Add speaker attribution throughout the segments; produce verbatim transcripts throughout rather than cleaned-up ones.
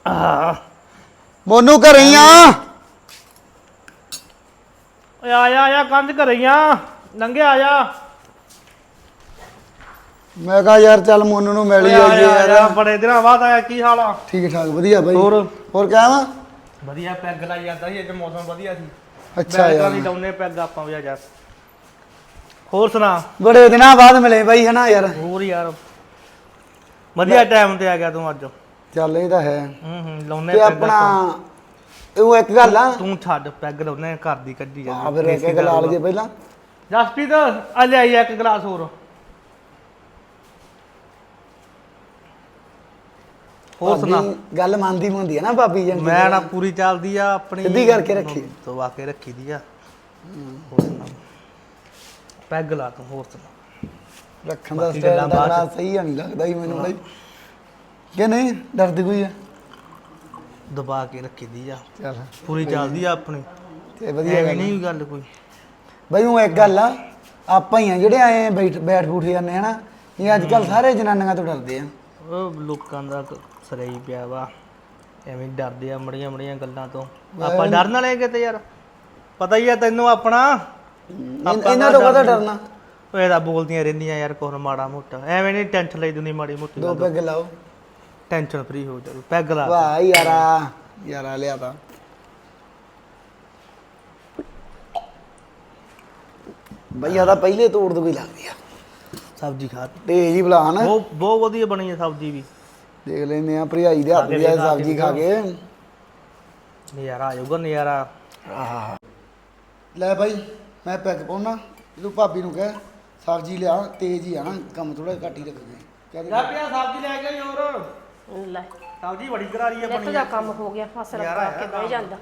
Speaker 1: ਮੋਨੂ ਘਰੇ ਹੀ ਆ
Speaker 2: ਓਏ ਆ ਜਾ ਆ ਜਾ ਕੰਧ ਘਰੇ ਹੀ ਆ ਲੰਘਿਆ ਆ ਜਾ
Speaker 1: ਮੈਂ ਕਹਾ ਯਾਰ ਚੱਲ ਮੋਨੂ ਨੂੰ ਮਿਲ ਹੀ ਆਈਏ ਯਾਰ
Speaker 2: ਬੜੇ ਦਿਨਾਂ ਬਾਅਦ ਆਇਆ ਕੀ ਹਾਲ ਆ
Speaker 1: ਠੀਕ ਠਾਕ ਵਧੀਆ ਬਾਈ
Speaker 2: ਹੋਰ
Speaker 1: ਹੋਰ ਕਿਆ ਵਾ
Speaker 2: ਵਧੀਆ ਪੈਗ ਲਾਈ ਜਾਂਦਾ ਸੀ ਅੱਜ ਮੌਸਮ ਵਧੀਆ ਸੀ
Speaker 1: ਅੱਛਾ ਯਾਰ
Speaker 2: ਨਹੀਂ ਲਾਉਨੇ ਪੈਗ ਆਪਾਂ ਵੀ ਜਾ ਹੋਰ ਸੁਣਾ
Speaker 1: ਬੜੇ ਦਿਨਾਂ ਬਾਅਦ ਮਿਲੇ ਬਾਈ ਹਨਾ ਯਾਰ
Speaker 2: ਹੋਰ ਯਾਰ ਵਧੀਆ ਟਾਈਮ ਤੇ ਆ ਗਿਆ ਤੂੰ ਅੱਜ
Speaker 1: ਚੱਲ ਇਹ ਤਾਂ ਹੈ
Speaker 2: ਹੂੰ ਹੂੰ ਲਾਉਨੇ
Speaker 1: ਤੇ ਆਪਣਾ ਉਹ ਇੱਕ ਗੱਲ ਆ
Speaker 2: ਤੂੰ ਛੱਡ ਪੈਗ ਲਾਉਨੇ ਘਰ ਦੀ ਕੱਢੀ ਜਾ
Speaker 1: ਆ ਫਿਰ ਇੱਕ ਗੱਲ ਆ ਲਈਏ ਪਹਿਲਾਂ
Speaker 2: ਜਸਪ੍ਰੀਤ ਆ ਲੈ ਆਈ ਇੱਕ ਗਲਾਸ ਹੋਰ ਹੋਰ ਸੁਣਾ
Speaker 1: ਗੱਲ ਮੰਨਦੀ ਮੁੰਦੀ ਆ ਨਾ ਭਾਬੀ ਜੰਗੀ
Speaker 2: ਮੈਂ ਨਾ ਪੂਰੀ ਚੱਲਦੀ ਆ ਆਪਣੀ
Speaker 1: ਸਿੱਧੀ ਕਰਕੇ ਰੱਖੀ
Speaker 2: ਦਵਾ ਕੇ ਰੱਖੀ ਦੀ ਆ ਹੋਰ ਸੁਣਾ ਪੈਗ ਲਾ ਤੂੰ ਹੋਰ ਸੁਣਾ
Speaker 1: ਰੱਖਣ ਦਾ ਸਟਾਈਲ ਦਾ ਸਹੀ ਨਹੀਂ ਲੱਗਦਾ ਹੀ ਮੈਨੂੰ ਬਾਈ ਕਿ ਨਹੀਂ ਡਰਦੀ ਕੋਈ ਆ
Speaker 2: ਦਬਾ ਕੇ ਰੱਖੀ ਦੀ ਆ
Speaker 1: ਚੱਲ
Speaker 2: ਪੂਰੀ ਚੱਲਦੀ ਆ ਆਪਣੀ
Speaker 1: ਤੇ ਵਧੀਆ
Speaker 2: ਐਵੇਂ ਨਹੀਂ ਗੱਲ ਕੋਈ
Speaker 1: ਬਾਈ ਉਹ ਇੱਕ ਗੱਲ ਆ ਆਪਾਂ ਹੀ ਆ ਜਿਹੜੇ ਆਏ ਬੈਠ ਬੈਠ ਬੂਠ ਜਾਂਦੇ ਹਨਾ ਇਹ ਅੱਜ ਕੱਲ ਸਾਰੇ ਜਨਾਨੀਆਂ ਤੋਂ ਡਰਦੇ ਆ
Speaker 2: ਉਹ ਲੋਕਾਂ ਦਾ ਸਰਾਈ ਪਿਆ ਵਾ ਐਵੇਂ ਡਰਦੇ ਆ ਮੜੀਆਂ ਮੜੀਆਂ ਗੱਲਾਂ ਤੋਂ ਆਪਾਂ ਡਰਨ ਵਾਲੇ ਕਿਤੇ ਯਾਰ ਪਤਾ ਹੀ ਆ ਤੈਨੂੰ ਆਪਣਾ
Speaker 1: ਇਹਨਾਂ ਤੋਂ ਕਦਾ ਡਰਨਾ
Speaker 2: ਉਹ ਇਹਦਾ ਬੋਲਦੀਆਂ ਰਹਿੰਦੀਆਂ ਯਾਰ ਕੋਹ ਮਾੜਾ ਮੋਟਾ ਐਵੇਂ ਨਹੀਂ ਟੈਨਸ਼ਨ ਲਈ ਦੁਨੀ ਮਾੜੀ ਮੋਟੀ
Speaker 1: ਦੋ ਪੈਗ ਲਾਓ
Speaker 2: ਟੈਨਸ਼ਨ ਫਰੀ ਹੋ ਜਾਓ ਪੈਗ ਲਾ
Speaker 1: ਵਾਹ ਯਾਰਾ ਯਾਰਾ ਲਿਆ ਤਾਂ ਬਈ ਆਦਾ ਪਹਿਲੇ ਤੋੜ ਦੋ ਕੋਈ ਲੱਗਦੀ ਆ
Speaker 2: ਸਬਜ਼ੀ ਖਾ
Speaker 1: ਤੇਜ ਹੀ ਬੁਲਾ ਨਾ
Speaker 2: ਬਹੁਤ ਬਹੁਤ ਵਧੀਆ ਬਣੀ ਹੈ ਸਬਜ਼ੀ ਵੀ
Speaker 1: ਦੇਖ ਲੈਨੇ ਆ ਭਰਜਾਈ ਦੇ ਹੱਥ ਦੀ ਸਬਜ਼ੀ ਖਾ ਕੇ
Speaker 2: ਨਜ਼ਾਰਾ ਆ ਜਾਊਗਾ ਨਜ਼ਾਰਾ
Speaker 1: ਆਹ ਲੈ ਬਾਈ ਮੈਂ ਪੈਗ ਪਾਉਣਾ ਜਦੋਂ ਭਾਬੀ ਨੂੰ ਕਹਿ ਸਬਜ਼ੀ ਲਿਆ ਤੇਜ਼ ਹੀ ਆ ਨਾ ਕੰਮ ਥੋੜਾ ਘੱਟ ਹੀ ਰੱਖਦੇ ਕਹਿੰਦੇ
Speaker 2: ਜਾ ਪਿਆ ਸਬਜ਼ੀ ਲੈ ਕੇ ਹੋਰ
Speaker 3: ਲੈ
Speaker 2: ਸਬਜ਼ੀ ਬੜੀ ਕਰਾਰੀ ਆ
Speaker 3: ਬਣੀ। ਇਹ ਕੰਮ ਹੋ ਗਿਆ ਫਸਲ ਪਾ ਕੇ ਬਹਿ ਜਾਂਦਾ।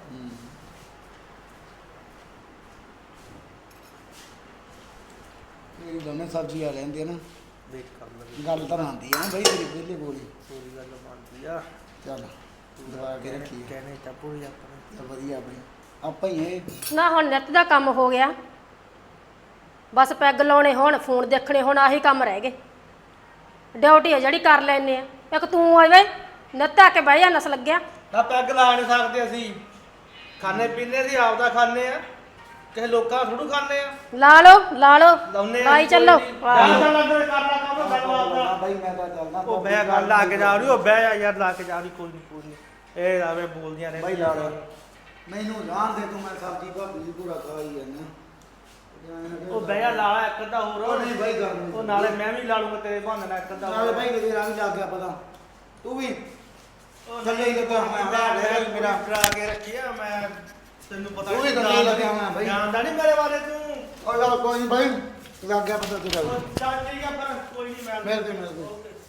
Speaker 1: ਇਹ ਦੋਨੇ ਸਬਜ਼ੀ ਆ ਲੈਂਦੇ ਆ ਨਾ
Speaker 2: ਵੇਟ ਕਰ ਲੈ
Speaker 1: ਗੱਲ ਤਾਂ ਬਣਦੀ ਆ ਨਾ ਬਾਈ ਤੇਰੀ ਪਹਿਲੇ ਬੋਲੀ
Speaker 2: ਪੂਰੀ ਗੱਲ ਬਣਦੀ ਆ
Speaker 1: ਚੱਲ ਦਵਾ ਕੇ ਰੱਖੀ
Speaker 2: ਕਹਿੰਦੇ ਤਾਂ ਪੂਰੀ ਆਪਣੀ
Speaker 1: ਤਾਂ ਵਧੀਆ ਬਈ ਆਪਾਂ ਹੀ ਇਹ
Speaker 3: ਨਾ ਹੁਣ ਨਿੱਤ ਦਾ ਕੰਮ ਹੋ ਗਿਆ ਬਸ ਪੈਗ ਲਾਉਣੇ ਹੁਣ ਫੋਨ ਦੇਖਣੇ ਹੁਣ ਆਹੀ ਕੰਮ ਰਹਿ ਗਏ ਡਿਊਟੀ ਆ ਜਿਹੜੀ ਕਰ ਲੈਨੇ ਆ ਇੱਕ ਤੂੰ ਆਵੇ ਨਿੱਤ ਆ ਕੇ ਬਹਿ ਜਾ ਨਸ ਲੱਗਿਆ
Speaker 2: ਤਾਂ ਪੈਗ ਲਾ ਨਹੀਂ ਸਕਦੇ ਅਸੀਂ ਖਾਣੇ ਪੀਣੇ ਦੀ ਆਪਦਾ ਖਾਣੇ ਆ ਕਿਸੇ ਲੋਕਾਂ ਥੋੜੂ ਖਾਣੇ ਆ
Speaker 3: ਲਾ ਲਓ ਲਾ ਲਓ
Speaker 2: ਲਾਉਨੇ ਆ
Speaker 3: ਲਾਈ ਚੱਲੋ
Speaker 2: ਚੱਲ ਲੱਗ ਕਰ ਲਾ ਕੰਮ ਗੱਲ ਆਪਦਾ
Speaker 1: ਬਾਈ ਮੈਂ ਤਾਂ ਚੱਲਦਾ
Speaker 2: ਉਹ ਬਹਿ ਗੱਲ ਲਾ ਕੇ ਜਾ ਰਹੀ ਉਹ ਬਹਿ ਜਾ ਯਾਰ ਲਾ ਕੇ ਜਾ ਰਹੀ ਕੋਈ ਨਹੀਂ ਕੋਈ ਨਹੀਂ ਇਹ ਆਵੇ ਬੋਲਦੀਆਂ ਨੇ
Speaker 1: ਬਾਈ ਲਾ ਲਾ ਮੈਨੂੰ ਜਾਣ ਦੇ ਤੂੰ ਮੈਂ ਸਬਜ਼ੀ ਭਾਬੀ ਦੀ ਪੂਰਾ ਖਾ ਹੀ ਜਾਂਦਾ
Speaker 2: ਉਹ ਬਹਿ ਜਾ ਲਾ ਇੱਕ ਅੱਧਾ ਹੋਰ
Speaker 1: ਉਹ ਨਹੀਂ ਬਾਈ ਕਰ
Speaker 2: ਉਹ ਨਾਲੇ ਮੈਂ ਵੀ ਲਾ ਲੂੰਗਾ ਤੇਰੇ ਬਹਾਨੇ ਨਾਲ ਇੱਕ ਅੱਧਾ
Speaker 1: ਨਾਲੇ ਬਾਈ ਕਿਤੇ ਰੰਗ ਲੱਗ ਗਿਆ ਪਤਾ ਤੂੰ ਵੀ ਥੱਲੇ ਹੀ ਲੱਗਾ ਮੈਂ ਮੇਰਾ ਮੇਰਾ
Speaker 2: ਕਰਾ ਕੇ ਰੱਖਿਆ ਮੈਂ ਤੈਨੂੰ ਪਤਾ
Speaker 1: ਤੂੰ ਵੀ ਥੱਲੇ ਲੱਗਿਆ ਹੋਣਾ ਬਾਈ
Speaker 2: ਜਾਣਦਾ ਨਹੀਂ ਮੇਰੇ ਬਾਰੇ ਤੂੰ
Speaker 1: ਉਹ ਗੱਲ ਕੋਈ ਨਹੀਂ ਬਾਈ ਲੱਗ ਗਿਆ ਪਤਾ ਤੇਰਾ
Speaker 2: ਚੱਲ ਠੀਕ ਆ ਫਿਰ ਕੋਈ ਨਹੀਂ ਮੈਂ
Speaker 1: ਮਿਲਦੇ ਮਿਲਦੇ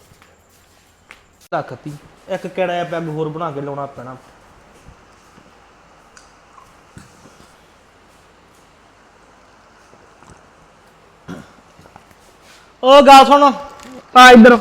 Speaker 2: ਰੱਖਤੀ ਇੱਕ ਕਿਹੜਾ ਜਿਹਾ ਪੈਗ ਹੋਰ ਬਣਾ ਕੇ ਲਾਉਣਾ ਪੈਣਾ ਉਹ ਗੱਲ ਸੁਣ ਆ ਇੱਧਰ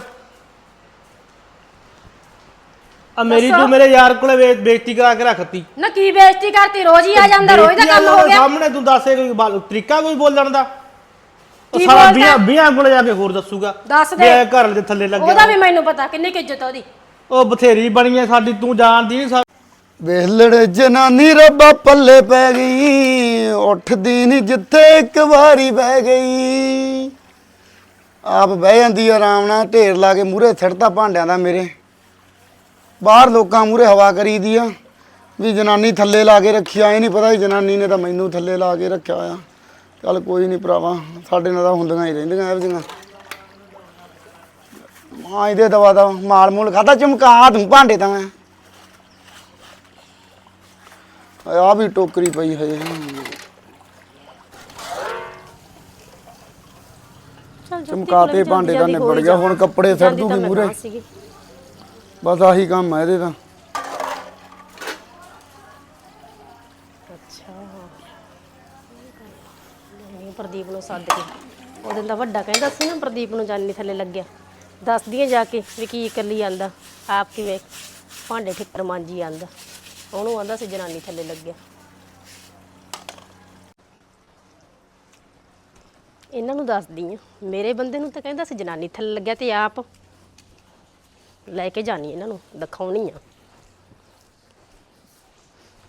Speaker 2: ਆ ਮੇਰੀ ਤੂੰ ਮੇਰੇ ਯਾਰ ਕੋਲੇ ਬੇਇੱਜ਼ਤੀ ਕਰਾ ਕੇ ਰੱਖਤੀ
Speaker 3: ਨਾ ਕੀ ਬੇਇੱਜ਼ਤੀ ਕਰਤੀ ਰੋਜ਼ ਹੀ ਆ ਜਾਂਦਾ ਰੋਜ਼ ਦਾ ਕੰਮ ਹੋ ਗਿਆ
Speaker 2: ਸਾਹਮਣੇ ਤੂੰ ਦੱਸੇ ਕੋਈ ਬਾਲ- ਤਰੀਕਾ ਕੋਈ ਬੋਲਣ ਦਾ ਉਹ
Speaker 3: ਕੀ
Speaker 2: ਸਾਰਾ
Speaker 3: ਬੋਲਦਾ?
Speaker 2: ਬੀਆਂ ਬੀਆਂ ਕੋਲੇ ਜਾ ਕੇ ਹੋਰ ਦੱਸੂਗਾ
Speaker 3: ਦੱਸ
Speaker 2: ਵੀ
Speaker 3: ਦੇ
Speaker 2: ਇਹ ਘਰ ਦੇ ਥੱਲੇ ਲੱਗਿਆ
Speaker 3: ਉਹਦਾ ਵੀ ਮੈਨੂੰ ਪਤਾ ਕਿੰਨੀ ਕੁ ਇੱਜ਼ਤ ਆ ਉਹਦੀ
Speaker 2: ਉਹ ਬਥੇਰੀ ਬਣੀ ਐ ਸਾਡੀ ਤੂੰ ਜਾਣਦੀ ਨਹੀਂ
Speaker 1: ਵੇਲੜ ਜਨਾਨੀ ਰੱਬਾ ਪੱਲੇ ਪੈ ਗਈ ਉੱਠਦੀ ਨਹੀਂ ਜਿੱਥੇ ਇੱਕ ਵਾਰੀ ਬਹਿ ਗਈ ਆਪ ਬਹਿ ਜਾਂਦੀ ਆਰਾਮ ਨਾਲ ਢੇਰ ਲਾ ਕੇ ਮੂਹਰੇ ਛੜਤਾ ਭਾਂਡਿਆਂ ਦਾ ਮੇਰੇ ਬਾਹਰ ਲੋਕਾਂ ਮੂਹਰੇ ਹਵਾ ਕਰੀਦੀ ਆ ਵੀ ਜਨਾਨੀ ਥੱਲੇ ਲਾ ਕੇ ਰੱਖੀ ਆ ਇਹ ਨਹੀਂ ਪਤਾ ਵੀ ਜਨਾਨੀ ਨੇ ਤਾਂ ਮੈਨੂੰ ਥੱਲੇ ਲਾ ਕੇ ਰੱਖਿਆ ਆ ਚੱਲ ਕੋਈ ਨਹੀਂ ਭਰਾਵਾ ਸਾਡੇ ਨਾਲ ਤਾਂ ਹੁੰਦੀਆਂ ਹੀ ਰਹਿੰਦੀਆਂ ਇਹੋ ਜਿਹੀਆਂ ਮਾਂ ਇਹਦੇ ਦਵਾ ਦਾ ਮਾਲ ਮੂਲ ਖਾਦਾ ਚਮਕਾ ਤੂੰ ਭਾਂਡੇ ਤਾਂ ਮੈਂ ਆ ਵੀ ਟੋਕਰੀ ਪਈ ਹਜੇ ਚਮਕਾਤੇ ਭਾਂਡੇ ਦਾ ਨਿਬੜ ਗਿਆ ਹੁਣ ਕੱਪੜੇ ਸਿਰ ਦੂਗੀ ਮੂਰੇ ਬਸ ਆਹੀ ਕੰਮ ਹੈ ਇਹਦੇ ਤਾਂ
Speaker 3: ਅੱਛਾ ਪ੍ਰਦੀਪ ਨੂੰ ਸੱਦ ਕੇ ਉਹ ਦਿਨ ਦਾ ਵੱਡਾ ਕਹਿੰਦਾ ਸੀ ਨਾ ਪ੍ਰਦੀਪ ਨੂੰ ਜਾਨੀ ਥੱਲੇ ਲੱਗਿਆ ਦੱਸਦੀਆਂ ਜਾ ਕੇ ਵੀ ਕੀ ਇਕੱਲੀ ਆਂਦਾ ਆਪ ਕਿਵੇਂ ਭਾਂਡੇ ਠਿੱਕਰ ਮਾਂਜੀ ਆਂਦਾ ਉਹਨੂੰ ਆਂਦਾ ਸੀ ਜਨਾਨੀ ਥੱਲੇ ਲੱਗਿਆ ਇਹਨਾਂ ਨੂੰ ਦੱਸਦੀ ਆ ਮੇਰੇ ਬੰਦੇ ਨੂੰ ਤਾਂ ਕਹਿੰਦਾ ਸੀ ਜਨਾਨੀ ਥੱਲੇ ਲੱਗਿਆ ਤੇ ਆਪ ਲੈ ਕੇ ਜਾਣੀ ਇਹਨਾਂ ਨੂੰ ਦਿਖਾਉਣੀ ਆ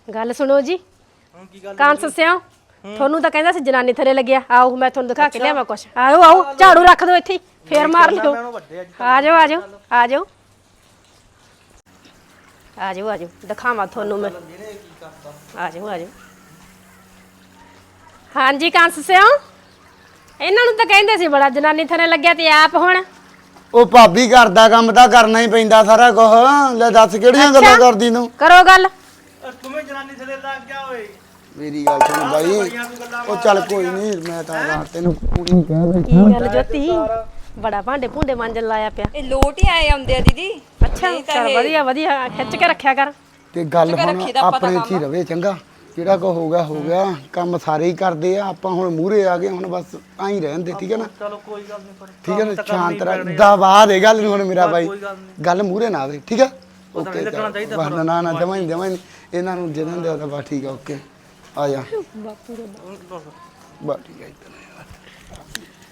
Speaker 3: ਗੱਲ ਸੁਣੋ ਜੀ
Speaker 2: ਹੁਣ ਕੀ ਗੱਲ
Speaker 3: ਕਾਂਸ ਸਿਓ ਤੁਹਾਨੂੰ ਤਾਂ ਕਹਿੰਦਾ ਸੀ ਜਨਾਨੀ ਥੱਲੇ ਲੱਗਿਆ ਆਓ ਮੈਂ ਤੁਹਾਨੂੰ ਦਿਖਾ ਕੇ ਲਿਆਵਾਂ ਕੁਛ ਆਓ ਆਓ ਝਾੜੂ ਰੱਖ ਦਿਓ ਇੱਥੇ ਹੀ, ਫੇਰ ਮਾਰ ਲਿਓ
Speaker 2: ਉਹਨੂੰ ਵੱਡੇ ਅੱਜ
Speaker 3: ਆ ਜਾਓ ਆ ਜਾਓ ਆ ਜਾਓ ਆ ਜਾਓ ਆ ਜਾਓ ਦਿਖਾਵਾਂ ਤੁਹਾਨੂੰ ਮੈਂ
Speaker 2: ਜਿਹਨੇ ਕੀ ਕਰਤਾ
Speaker 3: ਆ ਜਾਓ ਆ ਜਾਓ ਹਾਂਜੀ ਕਾਂਸ ਸਿਓ ਇਹਨਾਂ ਨੂੰ ਤਾਂ ਕਹਿੰਦੇ ਸੀ ਬੜਾ ਜਨਾਨੀ ਥੱਲੇ ਲੱਗਿਆ ਤੇ ਆਪ ਹੁਣ
Speaker 1: ਉਹ ਭਾਬੀ ਘਰ ਦਾ ਕੰਮ ਤਾਂ ਕਰਨਾ ਹੀ ਪੈਂਦਾ ਸਾਰਾ ਕੁਝ। ਲੈ ਦੱਸ ਕਿਹੜੀਆਂ ਗੱਲਾਂ ਕਰਦੀ ਤੂੰ?
Speaker 3: ਕਰੋ ਗੱਲ
Speaker 2: ਤੁਮੇ ਜਨਾਨੀ ਥੱਲੇ ਲੱਗ ਗਿਆ ਓਏ
Speaker 1: ਮੇਰੀ ਗੱਲ ਸੁਣ ਬਾਈ, ਉਹ ਚੱਲ ਕੋਈ ਨਹੀਂ, ਮੈਂ ਤਾਂ ਰਾਤ ਤੈਨੂੰ ਕੁੜੀ ਕਹਿ ਦੇ।
Speaker 3: ਕੀ ਗੱਲ ਜੋਤੀ ਬੜਾ ਭਾਂਡੇ ਭੁੰਡੇ ਮਾਂਜਣ ਲਾਇਆ ਪਿਆ
Speaker 4: ਇਹ ਲੋਟ ਹੀ ਆਏ ਆਉਂਦੇ ਆ ਦੀਦੀ।
Speaker 3: ਅੱਛਾ ਚਲ ਵਧੀਆ ਵਧੀਆ ਖਿੱਚ ਕੇ ਰੱਖਿਆ ਕਰ
Speaker 1: ਤੇ ਗੱਲ ਹੁਣ ਆਪਣੇ 'ਚ ਹੀ ਰਵੇ ਚੰਗਾ। ਜਿਹੜਾ ਕੋ ਹੋ ਗਿਆ ਹੋ ਗਿਆ, ਕੰਮ ਸਾਰੇ ਹੀ ਕਰਦੇ ਆ, ਆਪਾਂ ਹੁਣ ਮੂਹਰੇ ਆ ਗਏ, ਹੁਣ ਬਸ ਆਂ ਹੀ ਰਹਿਣ ਦੇ, ਠੀਕ ਹੈ ਨਾ?
Speaker 2: ਚਲੋ ਕੋਈ ਗੱਲ ਨਹੀਂ ਪਰ
Speaker 1: ਠੀਕ ਹੈ ਨਾ, ਸ਼ਾਂਤ ਰਹਿ, ਦਬਾ ਦੇ ਗੱਲ ਨੂੰ ਹੁਣ ਮੇਰਾ ਬਾਈ,
Speaker 2: ਕੋਈ ਗੱਲ ਨਹੀਂ
Speaker 1: ਗੱਲ ਮੂਹਰੇ ਨਾ ਆਵੇ, ਠੀਕ ਹੈ?
Speaker 2: ਨਹੀਂ ਲੱਗਣਾ ਚਾਹੀਦਾ
Speaker 1: ਬਸ ਨਾ ਨਾ ਜਮਾਂ ਹੀ ਜਮਾਂ ਹੀ ਇਹਨਾਂ ਨੂੰ ਜਿਹਨਾਂ ਦੇ ਤਾਂ ਬਸ ਠੀਕ ਆ, ਓਕੇ ਆ ਜਾ
Speaker 3: ਬਾਪੂ ਦੇ
Speaker 1: ਬਸ ਠੀਕ ਹੈ ਇੱਧਰ